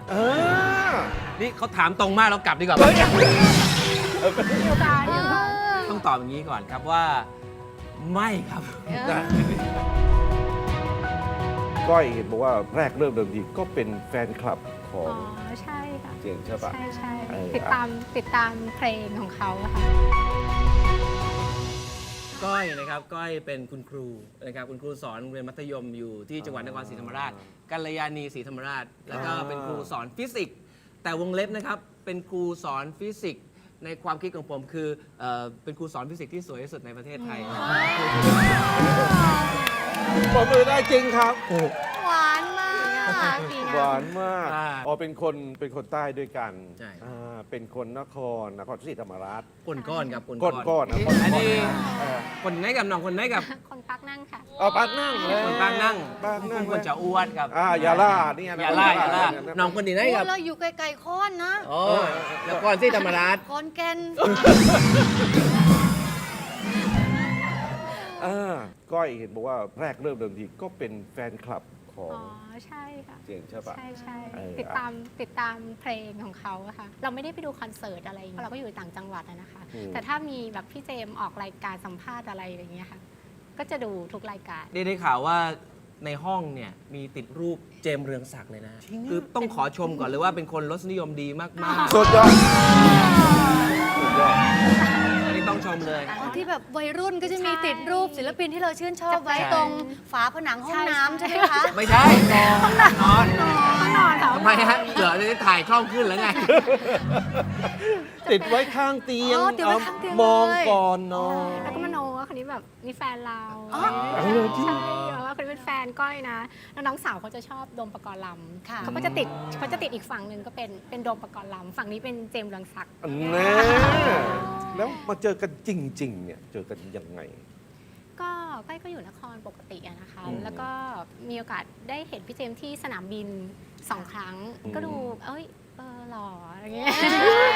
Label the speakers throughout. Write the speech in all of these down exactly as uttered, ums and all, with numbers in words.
Speaker 1: เออ
Speaker 2: นี่เขาถามตรงมากแล้วกลับดีกว่า
Speaker 3: มีโอกาสอยู่ค่ะ
Speaker 2: ต้องตอบอย่างนี้ก่อนครับว่าไม่ครับ
Speaker 1: ก้อยเห็นบอกว่าแรกเริ่มเดิมทีก็เป็นแฟนคลับขอ
Speaker 3: อ๋
Speaker 1: ง
Speaker 3: อใช่ค่ะ
Speaker 1: เจงใช่ปะ
Speaker 3: ใช่ใช่
Speaker 1: เออ
Speaker 3: ติดตามติดตามเพลงของเขาอะค่ะ
Speaker 2: ก้อยนะครับก้อยเป็นคุณครูนะครับคุณครูสอนโรงเรียนมัธยมอยู่ที่จังหวัดนครศรีธรรมราชกัลยาณีศรีธรรมราช แล้วก็เป็นครูสอนฟิสิกส์แต่วงเล็บนะครับเป็นครูสอนฟิสิกส์ในความคิดของผมคือเอ่อเป็นครูสอนฟิสิกส์ที่สวยที่สุดในประเทศไทย
Speaker 1: ปรบมือได้จริงครับ
Speaker 3: หวานมากดี
Speaker 1: หวา
Speaker 3: นะ
Speaker 1: นมาก
Speaker 2: อ่า
Speaker 1: อ๋อเป็นคนเป็นคนใต้ด้วยกัน
Speaker 2: ใช่
Speaker 1: อ่าเป็นคนนครนครศรีธรรมราช
Speaker 2: ก้นก้อนครับก้น
Speaker 1: ก้อนก้อนนะก้อน
Speaker 2: อันนี้
Speaker 1: เออ
Speaker 2: คนไหนกับน้องคนไหนกับ
Speaker 3: คนปักนั่งค่ะ
Speaker 1: เอาปากนั่งเลย
Speaker 2: คนปางนั่ง
Speaker 1: ปากนั่ง
Speaker 2: คนจะอ้วนครับ
Speaker 1: อ่าอย่าล่าเนี่ยนะ
Speaker 2: อย่าล่าอย่าล่าน้องคนนี้ไหน
Speaker 4: โอ้
Speaker 2: กับ
Speaker 4: เราอยู่ไกลๆโค้อนนะ
Speaker 2: โอ้แล้วก้อนที่ธรรมราช
Speaker 4: ขอนแก่น
Speaker 1: อ่าก้อยเห็นบอกว่าแรกเริ่มเดิมทีก็เป็นแฟนคลับของ
Speaker 3: อ๋อใช่ค่ะ
Speaker 1: เจงใช่ปะ
Speaker 3: ใช่ใช่
Speaker 1: เออ
Speaker 3: ติดตามติดตามเพลงของเขาอะค่ะ เราไม่ได้ไปดูคอนเสิร์ตอะไรอย่างเงี้ยเราก็อยู่ต่างจังหวัดอะนะคะ แต่ถ้ามีแบบพี่เจมส์ออกรายการสัมภาษณ์อะไรอย่างเงี้ยค่ะ ก็จะดูทุกรายการ
Speaker 2: ได้ได้ข่าวว่าในห้องเนี่ยมีติดรูปเจมส์เรืองศักดิ์เลยนะคือต้องขอชมก่อนเลยว่าเป็นคนรสนิยมดีมาก
Speaker 1: สุดยอดสุดยอด
Speaker 2: ๆอันนี้ต้องชมเลย
Speaker 4: อ๋อที่แบบวัยรุ่นก็จะมีติดรูปศิลปินที่เราชื่นชอบไว้
Speaker 2: ใช่
Speaker 4: ตรงฝาผนังห้องน้ำใช่ไหมคะ
Speaker 2: ไม่ใช่นอนนอน
Speaker 3: ต้องนอนค่ะ
Speaker 2: ทำไมฮะเดี๋ยวจะได้ถ่ายคล่องขึ้นแล้วไง
Speaker 1: ติดไว้ข้างเตียง
Speaker 4: อ๋อติดไว้ข้างเตียง
Speaker 1: มอง
Speaker 4: เลย
Speaker 1: ก่อนนอน
Speaker 3: แล้วก็มโนว่าคนนี้แบบนี่แฟนเรา
Speaker 4: อ๋อ
Speaker 1: เออจริง
Speaker 3: ใช่ว่าคนนี้เป็นแฟนก้อยนะ แล้วน้องสาวเขาจะชอบโดมปกรณ์ล
Speaker 4: ค่ะ
Speaker 3: ำเขาก็จะติดเขาจะติดอีกฝั่งหนึ่งก็เป็นเป็นโดมปกรณ์ลำฝั่งนี้เป็นเจมส์เรืองศักดิ์
Speaker 1: แน่แล้วมาเจอกันจริง ๆ เนี่ย เจอกันยังไง
Speaker 3: ก็ก้อยก็อยู่นครปกติอะนะคะ
Speaker 1: อืม
Speaker 3: แล้วก็มีโอกาสได้เห็นพี่เจมส์ที่สนามบินสองครั้ง
Speaker 1: อืม
Speaker 3: ก็ดู เอ้ย เออหล่ออะไรเงี้ย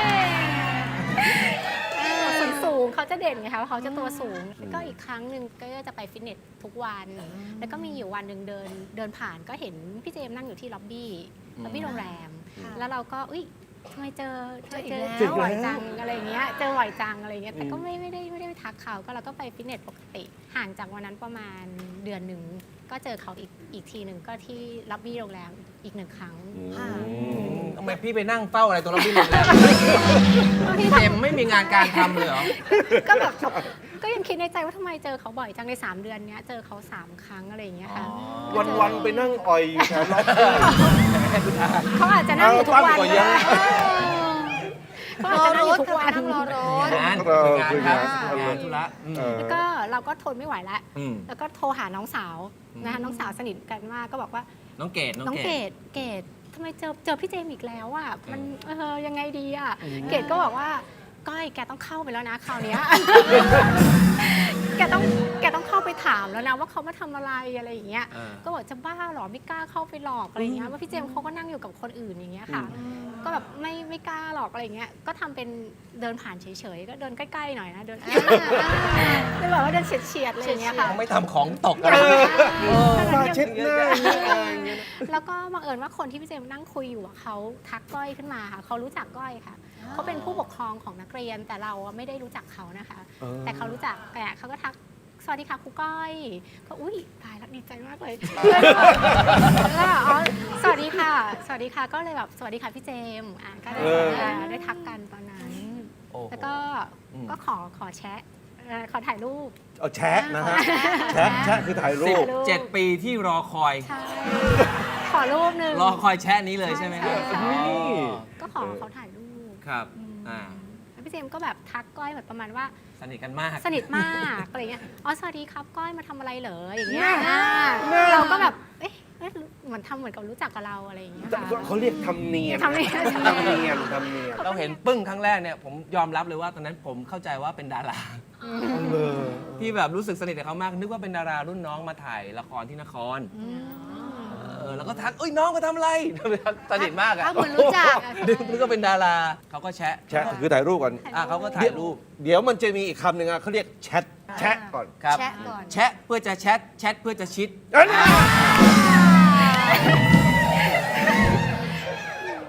Speaker 3: ส่วนสูงเขาจะเด่นไงคะว่าเขาจะตัวสูง แล้วก็อีกครั้งหนึ่งก็จะไปฟิตเนสทุกวัน แล้วก็มีอยู่วันหนึ่งเดินเดินผ่านก็เห็นพี่เจมส์นั่งอยู่ที่ล็อบบี้ล็อบบี้โรงแรม
Speaker 4: ค่ะ
Speaker 3: แล้วเราก็อุ้ยทำไมเจอทำไมเจอ
Speaker 4: เจออีกแล้ว
Speaker 3: บ่อยจังอะไรเงี้ย เจอบ่อยจังอะไรเงี้ย แต่ก็ไม่ไม่ได้ไม่ได้ไปทักเขา ก็เราก็ไปฟิตเนสปกติ ห่างจากวันนั้นประมาณเดือนหนึ่ง ก็เจอเขาอีกอีกทีหนึ่งก็ที่ล็อบบี้โรงแรมอีกหนึ่งครั้ง
Speaker 4: ค่ะ
Speaker 2: ทำไมพี่ไปนั่งเฝ้าอะไรตัวเราพี่เลยพี่เจมส์ไม่มีงานการทำเลยเหรอ
Speaker 3: ก็แบบก็ยังคิดในใจว่าทำไมเจอเขาบ่อยจังในสามเดือนเนี้ยเจอเขาสามครั้งอะไรอย่างเงี้ยค่ะ
Speaker 1: วัน ๆ ไปนั่งอ่อยอยู่แถวล็อบบี้
Speaker 3: เขาอาจจะนั่งอยู่ทุกวัน
Speaker 1: เอาตั้งก่อนยัง
Speaker 3: เขาอาจจะนั่งอยู่ทุกวัน
Speaker 4: นั่งรอรถ
Speaker 2: งาน
Speaker 1: เออ
Speaker 2: งานครับ
Speaker 1: คืองาน
Speaker 2: งานธุระอืม
Speaker 1: เออ
Speaker 3: แล้วก็เราก็ทนไม่ไหวแล้ว
Speaker 2: อืม
Speaker 3: แล้วก็โทรหาน้องสาวนะคะน้องสาวสนิทกันมากก็บอกว่า
Speaker 2: น้องเกด
Speaker 3: น้องเกดเกดทำไมเจอเจอพี่เจมส์อีกแล้วอ่ะมันเออยังไงดีอ่ะเกดก็บอกว่าก้อยแกต้องเข้าไปแล้วนะคราวเนี้ย แกต้องแกต้องเข้าไปถามแล้วนะว่าเขามาทำอะไรอะไรอย่างเงี้ย
Speaker 2: เออ
Speaker 3: ก็บอกจะบ้าเหรอไม่กล้าเข้าไปหลอกอะไรอย่างเงี้ยว่าพี่เจมส์เขาก็นั่งอยู่กับคนอื่นอย่างเงี้ยค่ะ ก็แบบไม่ไม่กล้าหรอกอะไรอย่างเงี้ยก็ทำเป็นเดินผ่านเฉยๆก็เดินใกล้ๆหน่อยนะเดินเลยแบบว่าเดินเฉียดๆอะไรอย่างเงี้ยค่ะ
Speaker 2: ไม่ทำของตกอะไร
Speaker 1: มาเช็ดหน้าอย่างเงี้ยอะไรอย่างเงี้ย
Speaker 3: แล้วก็บังเอิญว่าคนที่พี่เจมส์นั่งคุยอยู่อะเขาทักก้อยขึ้นมาค่ะเขารู้จักก้อยค่ะเขาเป็นผู้ปกครองของนักเรียนแต่เราอะไม่ได้รู้จักเขานะคะ
Speaker 1: เออ
Speaker 3: แต่เขารู้จักแต่เขาก็ทักสวัสดีค่ะครูก้อยก็อุ้ยตายแล้วดีใจมากเลยแล้วอ๋อสวัสดีค่ะ สวัสดีค่ะก็เลยแบบสวัสดีค่ะพี่เจมส์อ่ะก็ได้
Speaker 1: เออ
Speaker 3: อ่าได้ทักกันตอนนั้น
Speaker 2: โอ้โห
Speaker 3: แล้วก็
Speaker 2: อืม
Speaker 3: ก็ขอขอแชะเอ่อขอถ่ายรูป
Speaker 1: เอาแชะนะฮะ แชะแชะคือถ่ายรู
Speaker 2: สิบ
Speaker 1: ป
Speaker 2: เจ็ดปีที่รอคอย
Speaker 3: ใช่ขอรูปหนึ่ง
Speaker 2: รอคอยแชะนี้เลยใช่ไหมครับ
Speaker 3: ใช่
Speaker 2: อ๋อ
Speaker 3: ก็ขอเขาถ่ายรูป
Speaker 2: ครับ
Speaker 3: อืม
Speaker 2: อ่า
Speaker 3: แล้วพี่เจมส์ก็แบบทักก้อยแบบประมาณว่า
Speaker 2: สนิทกันมาก
Speaker 3: สนิทมากอะไรเงี้ยอ๋อสวัสดีครับก้อยมาทำอะไรเหรออย่างเงี้ย
Speaker 1: น่า
Speaker 3: อ่า
Speaker 1: น่า
Speaker 3: เราก็แบบเอ๊ะเอ๊ะเหมือนทำเหมือนกับรู้จักกับเราอะไรอย่างเงี้ยค่ะ
Speaker 1: เขาเรียกทำเนียน
Speaker 3: ทำเนียน
Speaker 1: ทำเนียนทำเนียน
Speaker 2: เราเห็นปึ้งครั้งแรกเนี่ยผมยอมรับเลยว่าตอนนั้นผมเข้าใจว่าเป็นดารา
Speaker 1: เออ
Speaker 2: ที่แบบรู้สึกสนิทกับเขามาก นึกว่าเป็นดารารุ่นน้องมาถ่ายละครที่นครเออแล้วก็ทักเอ้ยน้องมาทำอะไร สนิทมากอะ
Speaker 4: เขาเหมือนรู้จักอะ
Speaker 2: นึกนึกว่าเป็นดาราเขาก็แชะ
Speaker 1: แชะคือถ่ายรูปก่อน
Speaker 2: อ่ะเขาก็ถ่ายรูป
Speaker 1: เดี๋ยวมันจะมีอีกคำหนึ่งอะเขาเรียกแชท แชะก่อน
Speaker 2: ครับ
Speaker 4: แชะก่อน
Speaker 2: แชะเพื่อจะแชทแชทเพื่อจะชิด
Speaker 1: เอ้ย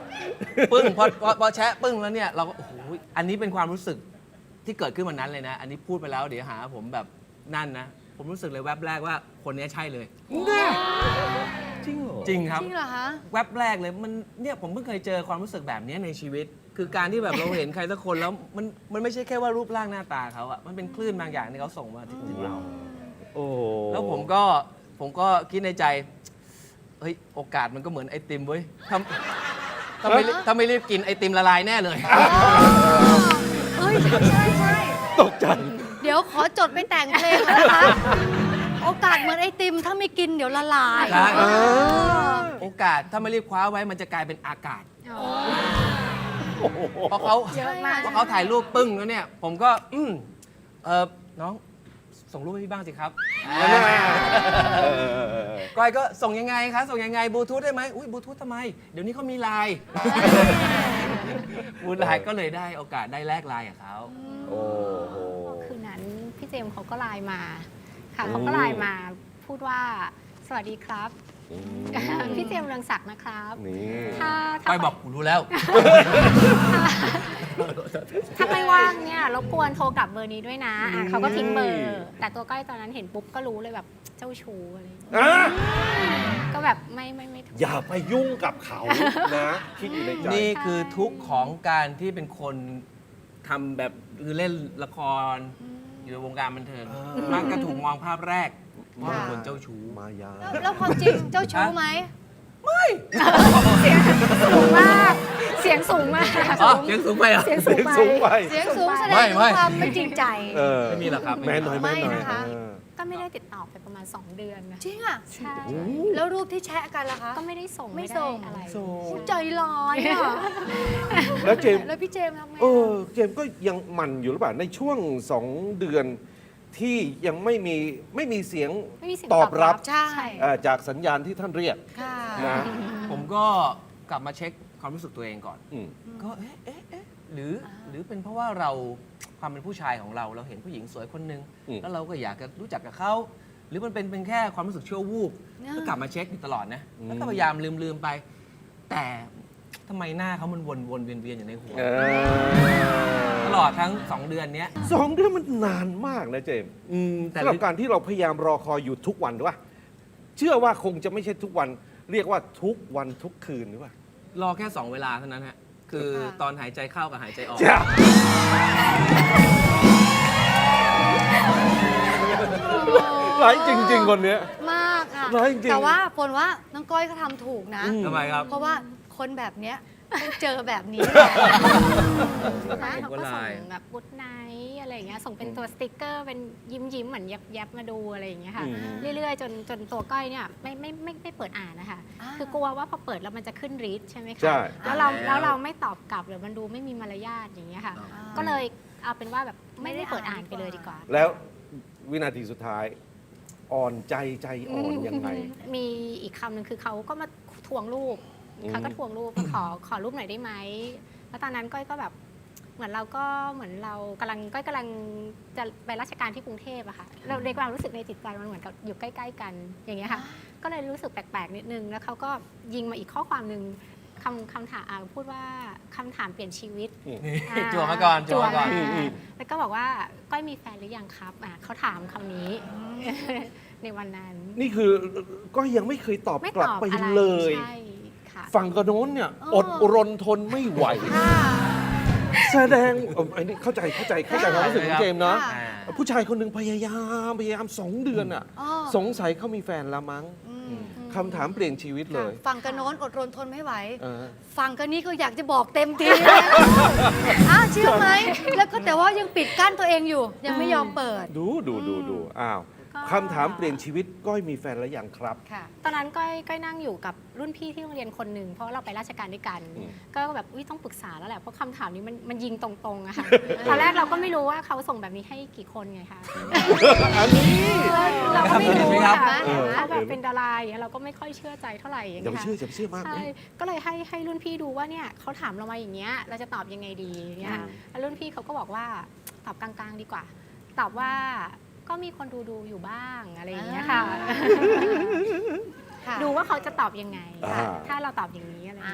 Speaker 2: ปึ้งพอพอพอแชะปึ้งแล้วเนี่ยเราก็โอ้โหอันนี้เป็นความรู้สึกที่เกิดขึ้นวันนั้นเลยนะ อันนี้พูดไปแล้วเดี๋ยวหาผมแบบนั่นนะ ผมรู้สึกเลยแวบแรกว่าคนนี้ใช่เลย
Speaker 1: จริงเหรอ
Speaker 2: จริงครับ
Speaker 4: จริงเหรอคะ
Speaker 2: แวบแรกเลยมันเนี่ยผมเพิ่งเคยเจอความรู้สึกแบบนี้ในชีวิต คือการที่แบบเราเห็นใครสักคนแล้วมันมันไม่ใช่แค่ว่ารูปร่างหน้าตาเขาอะมันเป็นคลื่นบางอย่างที่เขาส่งมาถึงเรา
Speaker 1: โอ้
Speaker 2: แล้วผมก็ผมก็คิดในใจ เฮ้ย โอกาสมันก็เหมือนไอติมเว้ยถ้าถ้าไม่รีบถ้าไม่รีบกินไอติมละลายแน่เลย
Speaker 4: เฮ้ย ใช่ใช่
Speaker 1: ตกใจ
Speaker 4: เดี๋ยวขอจดไปแต่งเพลงนะคะ โอกาสเหมือนไอติม ถ้าไม่กินเดี๋ยวละลาย
Speaker 2: ใช่
Speaker 4: เออ
Speaker 2: โอกาสถ้าไม่รีบคว้าไว้มันจะกลายเป็นอากาศ
Speaker 3: อ๋อ
Speaker 2: เพราะเขา
Speaker 3: เยอะมาก
Speaker 2: เพราะเขาถ่ายรูปปึ้งแล้วเนี่ย ผมก็ อืมเออน้อง ส่งรูปให้พี่บ้างสิครับ
Speaker 1: เออเออเออเออ
Speaker 2: ก้อยก็ส่งยังไงคะส่งยังไงบลูทูธได้ไหมอุ้ยบลูทูธทำไม เดี๋ยวนี้เขามีไลน์บลูไลน์ก็เลยได้โอกาสได้แลกไลน์กับเขา
Speaker 1: โอ้โห
Speaker 3: คืนนั้นพี่เจมส์เขาก็ไลน์มาค่ะ
Speaker 1: อืม
Speaker 3: เขาก็ไลน์มาพูดว่าสวัสดีครับ
Speaker 1: อืม
Speaker 3: พี่เจมส์เรืองศักดิ์นะครับ
Speaker 1: นี่
Speaker 3: ถ้าถ้า
Speaker 2: ก้อยบอกกูรู้แล้ว
Speaker 3: ถ้าไม่ว่างเนี่ยรบกวนโทรกลับเบอร์นี้ด้วยนะอ่ะเขาก็ทิ้งเบอ
Speaker 1: อื
Speaker 3: ร์
Speaker 1: ม
Speaker 3: แต่ตัวก้อยตอนนั้นเห็นปุ๊บก็รู้เลยแบบเจ้าชู้อะไรอย่างเงี้ย
Speaker 1: อ่ะ
Speaker 3: ก็แบบไม่ไม่ไม่ถูก
Speaker 1: อย่าไปยุ่งกับเขานะ คิดอยู่ในใจ
Speaker 2: นี่คือทุกข์ของการที่เป็นคนทำแบบคือเล่นละคร อยู่ในวงการบันเทิง
Speaker 1: อ่า
Speaker 2: มักจะถูกมองภาพแรกว่าเป็นคนเจ้าชู้
Speaker 1: มายา
Speaker 4: แล้วแล้วความจริงเจ้าชู้ไหม
Speaker 3: สูงมากเสียงสูงมาก
Speaker 2: อ๋อเสียงสูงไปเหรอ
Speaker 3: เสียงสูงไป
Speaker 1: สูงไป
Speaker 4: เสียงสูงแสด
Speaker 2: ไม่
Speaker 4: งถึง
Speaker 2: ไม่
Speaker 4: ความไม่จริงใจ
Speaker 1: เออ
Speaker 2: ไม่มีหรอกครับ
Speaker 1: แม่หน่อยแม่หน่อย
Speaker 4: ไม่นะคะ
Speaker 1: เออ
Speaker 3: ก็ไม่ได้ติดต่อไปประมาณ สอง เดือนนะ
Speaker 4: จริงอ่ะ
Speaker 3: ใช่
Speaker 4: แล้วรูปที่แชะกันล่ะคะ
Speaker 3: ก็ไม่ได้ส่ง
Speaker 4: ไม่
Speaker 3: ด้
Speaker 4: ส่ง
Speaker 3: อะไร
Speaker 1: ส่ง
Speaker 4: อุ๊ยใจร้ายอ่ะ
Speaker 1: แล้วเจมส์
Speaker 4: แล้วพี่เจมส์ทำไง
Speaker 1: เออ เจมส์ก็ยังหมันอยู่หรือเปล่าในช่วงสองเดือนที่ยังไม่มีไม่มีเสียง
Speaker 3: ไม่มีเสียง
Speaker 1: ตอบรับ
Speaker 4: ใช่
Speaker 1: เอ่อจากสัญญาณที่ท่านเรียก
Speaker 4: ค่ะ
Speaker 1: นะ
Speaker 2: ผมก็กลับมาเช็คความรู้สึกตัวเองก่อน
Speaker 1: อืม
Speaker 2: ก็เอ๊ะเอ๊ะเอ๊ะหรือหรือเป็นเพราะว่าเราความเป็นผู้ชายของเราเราเห็นผู้หญิงสวยคนหนึง
Speaker 1: อืม
Speaker 2: แล้วเราก็อยากจะรู้จักกับเขาหรือมันเป็นเป็นแค่ความรู้สึกชั่ววูบ
Speaker 4: อ่า
Speaker 2: ก็กลับมาเช็คอยู่ตลอดนะ
Speaker 1: อืม
Speaker 2: แล้วก็พยายามลืมลืมไป แต่ทำไมหน้าเขามันวนวนเวียนเวียนอยู่ในหัว
Speaker 1: เออ
Speaker 2: ตลอดทั้งสองเดือนเนี้ย
Speaker 1: สองเดือนมันนานมากนะเจมส์
Speaker 2: อืมแต่
Speaker 1: สำหรับการที่เราพยายามรอคอยอยู่ทุกวันหรือว่าเชื่อว่าคงจะไม่ใช่ทุกวัน เรียกว่าทุกวันทุกคืนหรือว่าร
Speaker 2: อแค่สองเวลาเท่านั้นฮะคือ
Speaker 4: ค่ะ
Speaker 2: ตอนหายใจเข้ากับหายใจออก
Speaker 1: จ้ะร้ายจริง ๆ คนเนี้ย
Speaker 4: มากค่ะ
Speaker 1: ร้ายจริง
Speaker 4: แต่ว่าฝนว่าน้องก้อยก็ทำถูกนะ
Speaker 1: อืม
Speaker 2: ทำไมครับ
Speaker 4: เพราะว่าคนแบบเนี้ยต้องเจอแบบนี้
Speaker 3: นะ
Speaker 2: ผม
Speaker 3: เขา
Speaker 2: ก็
Speaker 3: ก็
Speaker 2: ไล
Speaker 3: ส่ง
Speaker 2: น์
Speaker 3: แบบกุ๊ดไนท์อะไรอย่างเงี้ยส่งเป็นตัวสติกเกอร์เป็นยิ้มยิ้มๆเหมือนยับยับๆมาดูอะไรอย่างเงี้ยค่ะ
Speaker 1: อืม
Speaker 3: เรื่อยๆ จนจนตัวก้อยเนี่ยไม่ไม่ไม่ไม่เปิดอ่านนะคะ
Speaker 4: อ่า
Speaker 3: คือกลัวว่าพอเปิดแล้วมันจะขึ้นรีดใช่ไหมคะ
Speaker 1: ใช่
Speaker 3: แล้วเรา
Speaker 2: แล้ว
Speaker 3: แล้วเราไม่ตอบกลับหรือมันดูไม่มีมารยาทอย่างเงี้ยค่ะ
Speaker 2: อ๋อ
Speaker 3: ก็เลยเอาเป็นว่าแบบไม่ได้เปิดอ่านไปเลยดีกว่า
Speaker 1: แล้ววินาทีสุดท้าย อ่อนใจใจอ่อนยังไง
Speaker 3: มีอีกคำหนึ่งคือเขาก็มาทวงรูป
Speaker 1: อืม
Speaker 3: เขาก็ทวงรูปขอขอรูปหน่อยได้ไหมแล้วตอนนั้นก้อยก็แบบเหมือนเราก็เหมือนเรากำลังก้อยกำลังจะไปราชการที่กรุงเทพอะค่ะเราในความรู้สึกในจิตใจมันเหมือนกับอยู่ใกล้ๆกันอย่างเงี้ยค่ะ ก็เลยรู้สึกแปลกๆนิดนึงแล้วเขาก็ยิงมาอีกข้อความหนึ่งคำคำถามอ่าพูดว่าคำถามเปลี่ยนชีวิต อ่า
Speaker 2: จั่วมาก่อนจั่วมาก่อน
Speaker 3: จั่วแล้วก็บอกว่าก้อยมีแฟนหรือยังครับอ่ะเขาถามคำนี้ ในวันนั้น
Speaker 1: นี่คือก็ยังไม่เคยตอบ
Speaker 3: ไม่
Speaker 1: กลับ
Speaker 3: ตอบ
Speaker 1: ไป
Speaker 3: อะไร
Speaker 1: เลย
Speaker 3: ใช่ค่ะ
Speaker 1: ฝั่งกระโน้นเนี่ย
Speaker 4: เอ
Speaker 1: อ
Speaker 4: อ
Speaker 1: ดรนทนไม่ไหว แสดงเอ่ออันนี้เข้าใจเข้าใจเข้าใจความรู้สึกของเจมส์เนาะ
Speaker 4: ค่ะ
Speaker 2: อ่า
Speaker 1: ผู้ชายคนหนึ่งพยายามพยายามสองเดือนอ่ะ
Speaker 4: อ๋อ
Speaker 1: สงสัยเขามีแฟนละมั้ง
Speaker 4: อืม
Speaker 1: คำถามเปลี่ยนชีวิตเลย
Speaker 4: ฝั่งกระโน้นอดรนทนไม่ไหว
Speaker 1: เออ
Speaker 4: ฝั่งกันนี้ก็อยากจะบอกเต็มทีแล้วอ้าวเชื่อไหม แล้วก็แต่ว่ายังปิดกั้นตัวเองอยู่ ยังไม่ยอมเปิด
Speaker 1: ดูดูดูดูอ้าว
Speaker 3: ก็
Speaker 1: คำถามเปลี่ยนชีวิตก้อยมีแฟนแล้วยังครับ
Speaker 4: ค่ะ
Speaker 3: ตอนนั้นก้อยก้อยนั่งอยู่กับรุ่นพี่ที่โรงเรียนคนหนึ่งเพราะเราไปราชการด้วยกัน
Speaker 1: อืม
Speaker 3: ก็แบบอุ๊ยต้องปรึกษาแล้วแหละเพราะคำถามนี้มันมันยิงตรงๆอะค่ะ ตอนแรกเราก็ไม่รู้ว่าเขาส่งแบบนี้ให้กี่คนไงคะ
Speaker 1: อันนี้
Speaker 3: เราก็ไม่รู้
Speaker 2: เห็นไหมครับ
Speaker 3: ค่ะ
Speaker 1: เออ
Speaker 3: เขาแบบเป็นดาราอย่างเงี้ยเราก็ไม่ค่อยเชื่อใจเท่าไหร่อย่าง
Speaker 1: อย่า
Speaker 3: เงี้
Speaker 1: ไป
Speaker 3: ย
Speaker 1: เชื่ออย่าไปเชื่อมาก
Speaker 3: ใช่ก็เลยให้ให้รุ่นพี่ดูว่าเนี่ยเขาถามเรามาอย่างเงี้ยเราจะตอบยังไงดีอย่างเงี้ย
Speaker 1: อืม
Speaker 3: แล้วรุ่นพี่เขาก็บอกว่าตอบกลางๆดีกว่า ตอบว่าก็มีคนดูดูอยู่บ้างอะไรอย่างเงี้ยค่ะ
Speaker 4: ค่ะ
Speaker 3: ดูว่าเขาจะตอบยังไง
Speaker 1: อ่า
Speaker 3: ถ้าเราตอบอย่างนี้อะไรอย่างเงี้ยค่ะ
Speaker 1: เ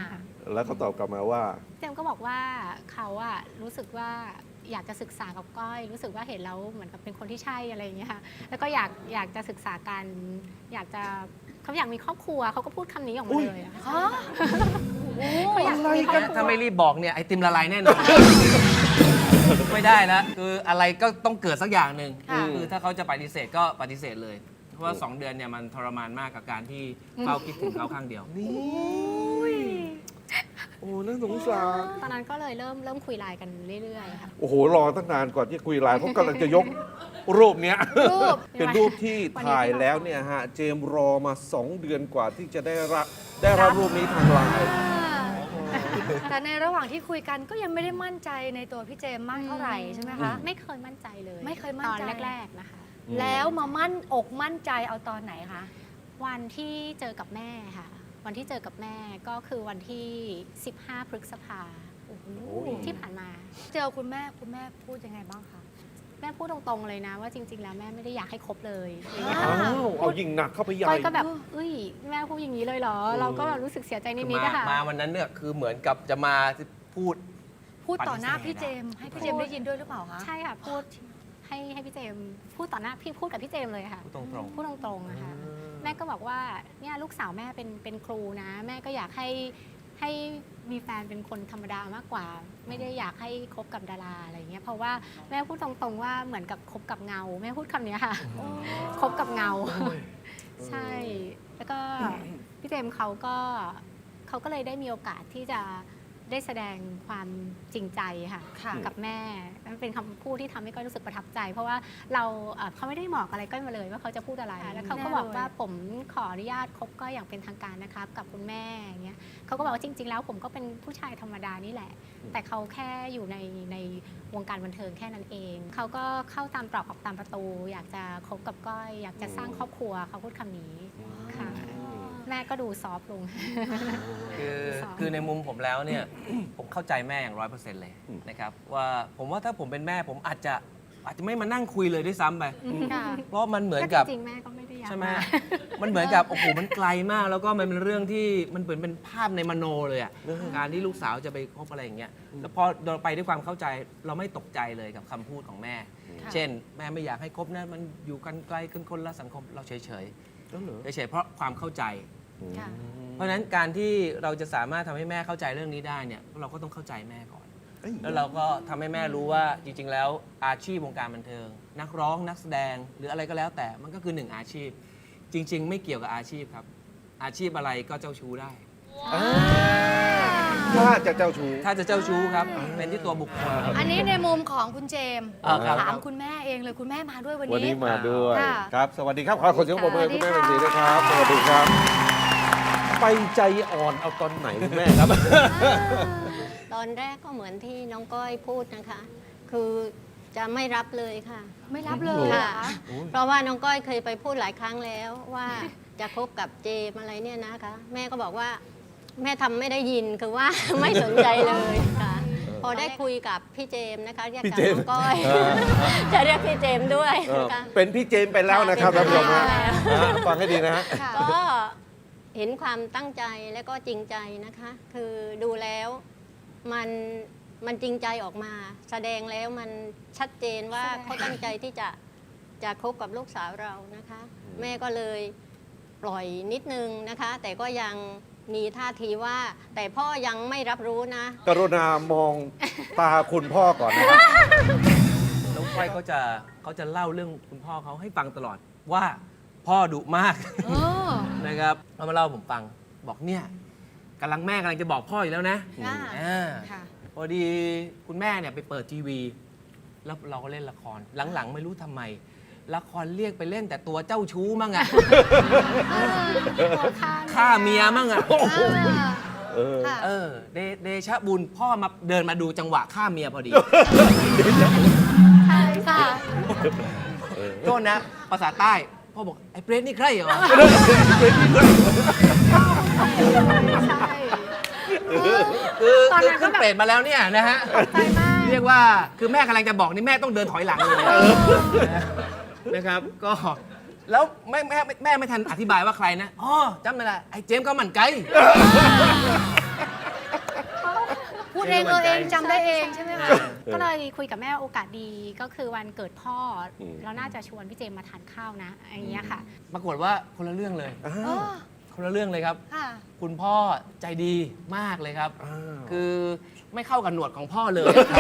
Speaker 1: แล้วเขาตอบกลับมาว่า
Speaker 3: เจมส์ก็บอกว่าเขาอะรู้สึกว่าอยากจะศึกษากับก้อย รู้สึกว่าเห็นแล้วเหมือนกับเป็นคนที่ใช่อะไรอย่างเงี้ยค่ะแล้วก็อยากอยากจะศึกษากันอยากจะเขาอยากมีครอบครัวเขาก็พูดคำนี้ออกมาเลยอะ
Speaker 4: ฮะ
Speaker 3: เขาอยากมีครอบครัว
Speaker 2: ถ้าไม่รีบบอกเนี่ยไอติมละลายแน่นอน ไม่ได้แล้วคืออะไรก็ต้องเกิดสักอย่างหนึ่ง
Speaker 4: ค่ะ
Speaker 2: คือถ้าเขาจะปฏิเสธก็ปฏิเสธเลย เพราะว่าสองเดือนเนี่ยมันทรมานมากกับการที่เฝ้าคิดถึงเขาข้างเดียว
Speaker 1: นี่โอ้น่าสงสาร
Speaker 3: ตอนนั้นก็เลยเริ่มเริ่มคุยไลน์กันเรื่อยๆค่ะ
Speaker 1: โอ้โห รอตั้งนานก่อนที่คุยไลน์เพราะกำลังจะยกรูปเนี้ย
Speaker 4: รูป
Speaker 1: เป็นรูปที่ถ่ายแล้วเนี่ยฮะ เจมส์รอมาสองเดือนกว่าที่จะได้รับได้รับรูปนี้ทางไลน์
Speaker 4: แต่ในระหว่างที่คุยกันก็ยังไม่ได้มั่นใจในตัวพี่เจมส์มากเท่าไหร่ใช่ไหมคะ
Speaker 3: ไม่เคยมั่นใจเลย
Speaker 4: ไม่เคยมั่นใจ
Speaker 3: ตอนแรกๆนะคะ
Speaker 4: แล้วมามั่นอกมั่นใจเอาตอนไหนคะ
Speaker 3: วันที่เจอกับแม่ค่ะ วันที่เจอกับแม่ก็คือวันที่ สิบห้า พฤษภาที่ผ่านมา
Speaker 4: เจอคุณแม่คุณแม่พูดยังไงบ้างคะ
Speaker 3: แม่พูดตรงๆเลยนะว่าจริง ๆ แล้วแม่ไม่ได้อยากให้คบเลยอะไรอย่างเงี้ย
Speaker 1: อ้า
Speaker 3: ค่ะ
Speaker 1: ว เอายิงหนักเข้าไปใหญ่
Speaker 3: ก้อยก็แบบเอ้ยแม่พูดอย่างนี้เลยเหรอ เราก็แบบรู้สึกเสียใจนิด
Speaker 2: มา
Speaker 3: ๆนะคะ
Speaker 2: มาวันนั้นเนี่ยคือเหมือนกับจะมาพูด
Speaker 4: พูดต่อหน้า
Speaker 2: ปฏิเสธ
Speaker 4: พี่เจมส์ให้พี่เจมส์ได้ยินด้วยหรือเปล่าคะ
Speaker 3: ใช่ค่ะพูดให้ให้พี่เจมส์พูดต่อหน้าพี่พูดกับพี่เจมส์เลยค่ะ
Speaker 2: พูดตรง
Speaker 3: พูดตรงๆนะคะแม่ก็บอกว่าเนี่ยลูกสาวแม่เป็นเป็นครูนะ แม่ก็อยากให้ให้มีแฟนเป็นคนธรรมดามากกว่า ไม่ได้อยากให้คบกับดาราอะไรอย่างเงี้ยเพราะว่าแม่พูดตรงๆว่าเหมือนกับคบกับเงา แม่พูดคำนี้ค่ะคบกับเงา ใช่ แล้วก็พี่เจมส์เขาก็เขาก็เลยได้มีโอกาสที่จะได้แสดงความจริงใจค่ะ
Speaker 4: ค่ะ
Speaker 3: กับแม่มันเป็นคำพูดที่ทำให้ก้อยรู้สึกประทับใจ เพราะว่าเราเอ่อเขาไม่ได้บอกอะไรก้อยมาเลยว่าเขาจะพูดอะไร แล้วเขาก็บอกว่าผมขออนุญาตคบก้อยอย่างเป็นทางการนะครับกับคุณแม่อย่างเงี้ยเขาก็บอกว่าจริง ๆ แล้วผมก็เป็นผู้ชายธรรมดานี่แหละ แต่เขาแค่อยู่ในในวงการบันเทิงแค่นั้นเอง เขาก็เข้าตามตรอกออกตามประตู อยากจะคบกับก้อย อยากจะสร้างครอบครัวเขาพูดคำนี้ค่ะ แม่ก็ดูซอฟต์ลง
Speaker 2: ๆ คือ
Speaker 3: สอง
Speaker 2: คือในมุมผมแล้วเนี่ย ผมเข้าใจแม่อย่างร้อยเปอร์เซ็นต์เลยนะครับว่าผมว่าถ้าผมเป็นแม่ผมอาจจะอาจจะไม่มานั่งคุยเลยด้วยซ้ำไป
Speaker 3: ค่ะ
Speaker 2: เพราะมันเหมือนกับ
Speaker 3: จริงๆแม่ก็ไม่ได้อยาก
Speaker 2: ใช่ไหม
Speaker 3: า
Speaker 2: มันเหมือนกับ โอ้โห มันไกลมาก แล้วก็มันเป็นเรื่องที่มันเหมือนเป็นภาพในมโนเลยอ่ะ การที่ลูกสาวจะไปคบอะไรอย่างเงี้ย แล้วพอเราไปด้วยความเข้าใจ เราไม่ตกใจเลยกับคำพูดของแม่
Speaker 4: ค่ะ
Speaker 2: เช่น แม่ไม่อยากให้คบนะ มันอยู่กันไกลกันคนละสังคม เราเฉยเฉย
Speaker 1: แล้วเหรอ
Speaker 2: ๆเฉยๆเพราะความเข้าใจ
Speaker 4: ค่ะ
Speaker 2: เพราะฉะนั้นการที่เราจะสามารถทำให้แม่เข้าใจเรื่องนี้ได้เนี่ย เราก็ต้องเข้าใจแม่ก่อน
Speaker 1: เอ้ย
Speaker 2: แล้วเราก็ทำให้แม่รู้ว่าจริง ๆ แล้วอาชีพวงการบันเทิง นักร้องนักแสดงหรืออะไรก็แล้วแต่มันก็คือหนึ่งอาชีพ จริง ๆ ไม่เกี่ยวกับอาชีพครับ อาชีพอะไรก็เจ้าชู้ได้
Speaker 1: ถ้าจะเจ้าชู้
Speaker 2: ถ้าจะเจ้าชู้ครับ เป็นที่ตัวบุคคลครับ
Speaker 4: อันนี้ในมุมของคุณเจมส์
Speaker 2: อ่าครับ
Speaker 4: ถามคุณแม่เองเลยคุณแม่มาด้วยวัน
Speaker 1: วัน
Speaker 4: นี้
Speaker 1: นี้มาด้วย
Speaker 4: ค่ะ
Speaker 1: ครับ สวัสดีครับ ขอขอเสียงปรบมือให้คุณแม่
Speaker 4: สวั
Speaker 1: เป็น
Speaker 4: สดี
Speaker 1: สี
Speaker 4: ค่ะ
Speaker 1: นะครับ สวัสดีครับ ไปใจอ่อนเอาตอนไหนคุณแม่ครับ
Speaker 5: ตอนแรกก็เหมือนที่น้องก้อยพูดนะคะ คือจะไม่รับเลยค่ะ
Speaker 4: ไม่รับเลยเหรอ
Speaker 5: ค่ะ
Speaker 4: คะ
Speaker 5: เพราะว่าน้องก้อยเคยไปพูดหลายครั้งแล้วว่าจะคบกับเจมอะไรเนี่ยนะคะ แม่ก็บอกว่าแม่ทำไม่ได้ยินคือว่า ไม่สนใจเลยค่ะ พอได้คุยกับพี่เจมนะคะเรียก
Speaker 1: พี่
Speaker 5: กับ
Speaker 1: เจม
Speaker 5: น้องก้อย
Speaker 1: เออ
Speaker 5: จะเรียกพี่เจมด้วย
Speaker 1: เออ
Speaker 5: นะคะ
Speaker 1: เป็นพี่เจมส์ไปแล้วนะครับ
Speaker 5: เป็
Speaker 1: ท่าน
Speaker 5: น
Speaker 1: ผู้ชม
Speaker 5: พี่
Speaker 1: ฮะ
Speaker 5: เจมส์
Speaker 1: อ่าฟังให้ดีนะฮะ
Speaker 4: ค่ะ
Speaker 5: ก็เห็นความตั้งใจและก็จริงใจนะคะ คือดูแล้วมันมันจริงใจออกมา แสดงแล้วมันชัดเจนว่า
Speaker 3: แสดง
Speaker 5: เขาตั้งใจที่จะจะคบกับลูกสาวเรานะคะ แม่ก็เลยปล่อยนิดนึงนะคะ แต่ก็ยังมีท่าทีว่า แต่พ่อยังไม่รับรู้นะ
Speaker 1: กรุณามองตาคุณพ่อก่อนนะครับ
Speaker 2: น้องก้อยเขาจะเขาจะเล่าเรื่องคุณพ่อเขาให้ฟังตลอดว่าพ่อดุมาก
Speaker 4: เออ
Speaker 2: นะครับเขามาเล่าให้ผมฟังบอกเนี่ยกำลังแม่กำลังจะบอกพ่ออีกแล้วนะ
Speaker 4: อ่า
Speaker 2: อ่า
Speaker 4: ค่ะ
Speaker 2: พอดีคุณแม่เนี่ยไปเปิดทีวี แล้วเราก็เล่นละคร หลังๆ ไม่รู้ทำไม ละครเรียกไปเล่นแต่ตัวเจ้าชู้มั่งอะ
Speaker 3: ตัวข้าง
Speaker 2: ฆ่าเมียมั่งอะ
Speaker 1: เออ
Speaker 4: ค่ะ
Speaker 2: เออเดเดชะบุญพ่อมาเดินมาดูจังหวะฆ่าเมียพอดี
Speaker 4: ใช่ค่ะ
Speaker 2: โทษนะภาษาใต้ พ่อบอก ไอ้เปรตนี่ใครเหรอ
Speaker 3: ใช่
Speaker 2: คือ
Speaker 3: ตอน
Speaker 2: คือ
Speaker 3: นั้นก็
Speaker 2: ขึ้น
Speaker 3: แบบ
Speaker 2: เปรตมาแล้วเนี่ยนะฮะ
Speaker 3: ใจมาก
Speaker 2: เรียกว่าคือแม่กำลังจะบอกนี่แม่ต้องเดินถอยหลังเลยนะครับ ก็แล้วแม่แม่แม่ไม่ทันอธิบายว่าใครนะอ๋อจำไม่ได้ไอ้เจมส์ก็มันไกล
Speaker 4: ดเองเออเองจำได้เองใช่ไหมคะ
Speaker 3: ก็เลยคุยกับแม่โอกาสดีก็คือวันเกิดพ่ออ
Speaker 1: ม
Speaker 3: เราน่าจะชวนพี่เจมมาทานข้าวนะอย่างเงี้ยค่ะ
Speaker 2: ปรากฏว่าคนละเรื่องเลย
Speaker 1: อ้า
Speaker 4: อ๋อ
Speaker 1: ว
Speaker 2: คนละเรื่องเลยครับ
Speaker 4: ค่ะ
Speaker 2: คุณพ่อใจดีมากเลยครับ
Speaker 1: อ้าว
Speaker 2: คือไม่เข้ากับหนวดของพ่อเลย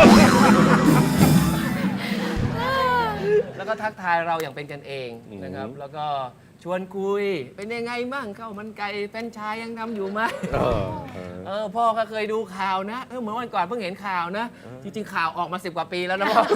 Speaker 2: แล้วก็ทักทายเราอย่างเป็นกันเองนะครับ แล้วก็ชวนคุย เป็นยังไงบ้างข้าวมันไก่แฟรนไชายยังทำอยู่ไหม
Speaker 1: เออเออ
Speaker 2: เออพ่อก็เคยดูข่าวนะเออเหมือนวันก่อนเพิ่งเห็นข่าวนะ จริง ๆ ข่าวออกมาสิบกว่าปีแล้วนะพ่อ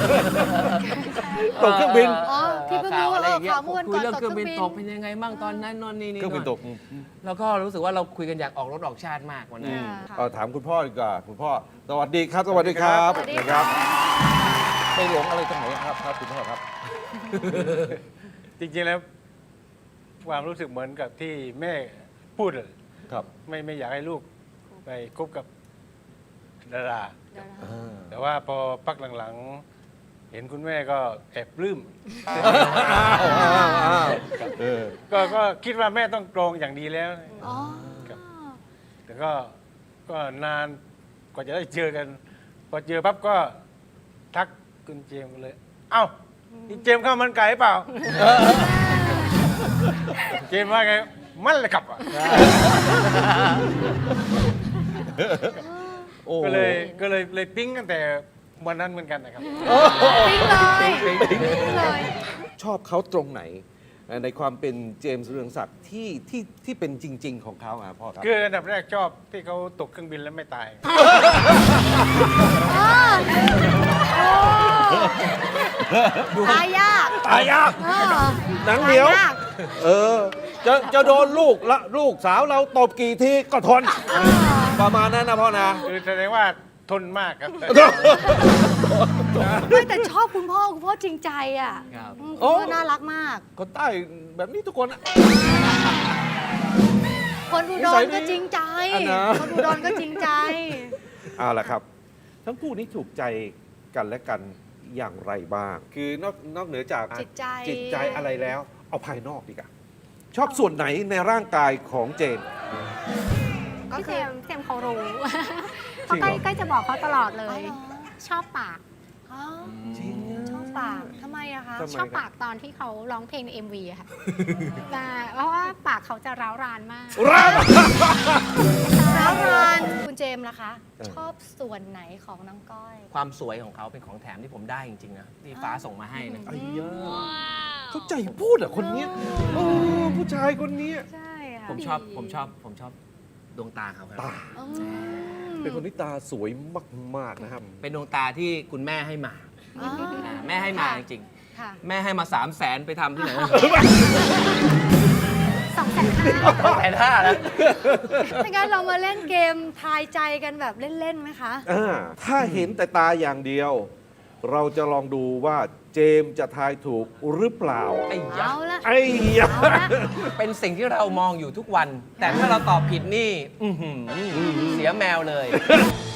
Speaker 1: ตกเครื่องบิน
Speaker 4: อ๋อที่เพิ่งรู้ว่า
Speaker 2: ข่าวอะไรอย่างเงี้ย
Speaker 4: ข่าวเมื่อวัน
Speaker 2: คุย
Speaker 4: ก่อน
Speaker 2: เรื่องเครื่องบิน
Speaker 4: ต
Speaker 2: ต
Speaker 4: ก
Speaker 2: ก
Speaker 4: เครื่
Speaker 2: เป็
Speaker 4: อน งบิน
Speaker 2: ยังไงบ้างตอนนั้นนนนี่นี่
Speaker 1: เครื่องบินตก
Speaker 2: แล้วก็รู้สึกว่าเราคุยกันอยากออกรถออกชาติมากวันนั้น
Speaker 4: ค่ะ
Speaker 1: เอาถามคุณพ่อดีกว่าคุณพ่อสวัสดีครับ สวัสดีครับ
Speaker 4: สวัสดี
Speaker 1: นะค
Speaker 4: ค่ะ
Speaker 1: รับไปหลงอะไรตรงไหนครับครับคุณพ่อครับ
Speaker 6: จริงๆแล้วความรู้สึกเหมือนกับที่แม่พูดเลย
Speaker 1: ครับ
Speaker 6: ไม่ไม่อยากให้ลูกไปคบกับดารา
Speaker 1: อ่า
Speaker 6: แต่ว่าพอพักหลังๆ เห็นคุณแม่ก็แอบปลื้ม
Speaker 1: อ้าวอ้าวอ้าวเออ
Speaker 6: ก็ก็คิดว่าแม่ต้องตรงอย่างดีแล้ว
Speaker 4: อ๋อ
Speaker 6: ครับ แต่ก็ก็นานกว่าจะได้เจอกัน พอเจอปั๊บก็ทักคุณเจมส์เลย เอ้านี่เจมส์ข้าวมันไก่เปล่า เจมส์ว่าไง มันเลยครับอ่ะ
Speaker 1: โอ้
Speaker 6: ก็เลยก็เลยเลยปิ๊งตั้งแต่วันนั้นเหมือนกันนะครับ
Speaker 4: ปิ๊งเลยปิ๊งเลย
Speaker 1: ชอบเขาตรงไหน ในความเป็นเจมส์เรืองศักดิ์ที่ที่ที่เป็นจริง ๆ ของเขาอ่ะพ่อครับ
Speaker 6: คืออันดับแรกชอบที่เขาตกเครื่องบินแล้วไม่ตาย
Speaker 4: ตายยาก
Speaker 1: ตายยาก
Speaker 4: เออ
Speaker 1: หนังเหนียว
Speaker 4: ตายาก
Speaker 1: เออ จะจะโดนลูกละลูกสาวเราตบกี่ทีก็ทน ประมาณนั้นนะพ่อนะ
Speaker 6: คือแสดงว่าทนมากครับ
Speaker 4: ไม่แต่ชอบคุณพ่อคุณพ่อจริงใจอ่ะ
Speaker 2: ครับ
Speaker 4: อืม
Speaker 1: โอ้
Speaker 4: คุณพ่อน่ารักมาก
Speaker 1: คนใต้แบบนี้ทุกคนอะ
Speaker 4: คนอุด
Speaker 1: นิสั
Speaker 4: ร
Speaker 1: ยดี
Speaker 4: ก็จริงใจ
Speaker 1: อันนะ
Speaker 4: คนอุดรก็จริงใจ
Speaker 1: เอาละครับ ทั้งคู่นี้ถูกใจกันและกันอย่างไรบ้าง คือนอกนอกเหนือจาก
Speaker 4: จิตใจ
Speaker 1: จิตใจอะไรแล้ว เอาภายนอกดีกว่าชอบส่วนไหนในร่างกายของเจน
Speaker 4: ก็
Speaker 3: พี่
Speaker 4: คื
Speaker 3: เจ
Speaker 4: อ
Speaker 3: มส์เจมส์เขารู้
Speaker 1: จริงเหรอ
Speaker 3: เขาใกล้ใกล้จะบอกเขาตลอดเล
Speaker 4: อ๋อย เหรอ
Speaker 3: ชอบปาก
Speaker 4: อ๋อ
Speaker 1: จริงอะ
Speaker 4: ชอบปากทำไมอะคะ
Speaker 1: ทำไม
Speaker 3: ชอบปากตอนที่เขาร้องเพลงใน เอ็ม วีอะค่ะ แต่เพราะว่าปากเขาจะร้าวรานมาก
Speaker 1: รัก
Speaker 4: ร้าวรานคุณเจมส์ล่ะคะ
Speaker 1: เออ
Speaker 4: ชอบส่วนไหนของน้องก้อย
Speaker 2: ความสวยของเขาเป็นของแถมที่ผมได้จริงๆนะที่ฟ้าส่งมาให้นะ
Speaker 1: ไอ้ยาเขาใจพูดอ่ะคนเนี้ยโอ้ผู้ชายคนเนี้ย
Speaker 3: ใช่ค่ะ
Speaker 2: ผมชอบผมชอบผมชอบดวงตาเขาครับ
Speaker 1: ตา
Speaker 4: อืม
Speaker 1: เป็นคนที่ตาสวยมาก ๆ นะครับ
Speaker 2: เป็นดวงตาที่คุณแม่ให้มา
Speaker 4: อ๋อ
Speaker 2: อ่าแม่ให้มาจริง
Speaker 4: ค่ะ
Speaker 2: ๆแม่ให้มาสามแสนไปทำที่ไหน
Speaker 3: สองแสนห้า
Speaker 2: แสนห้าแล้ว
Speaker 4: ถ้างั้นเรามาเล่นเกมทายใจกันแบบเล่นๆไหมคะ
Speaker 1: อ่าถ้าเห็นแต่ตาอย่างเดียว เราจะลองดูว่าเจมส์จะทายถูกหรือเปล่า
Speaker 2: ไอ้ยะ
Speaker 4: เอาละ
Speaker 1: ไอ้ยา
Speaker 4: เอาละ
Speaker 2: เป็นสิ่งที่เรามองอยู่ทุกวัน แต่ถ้าเราตอบผิดนี่ อื้อหือเสียแมวเลย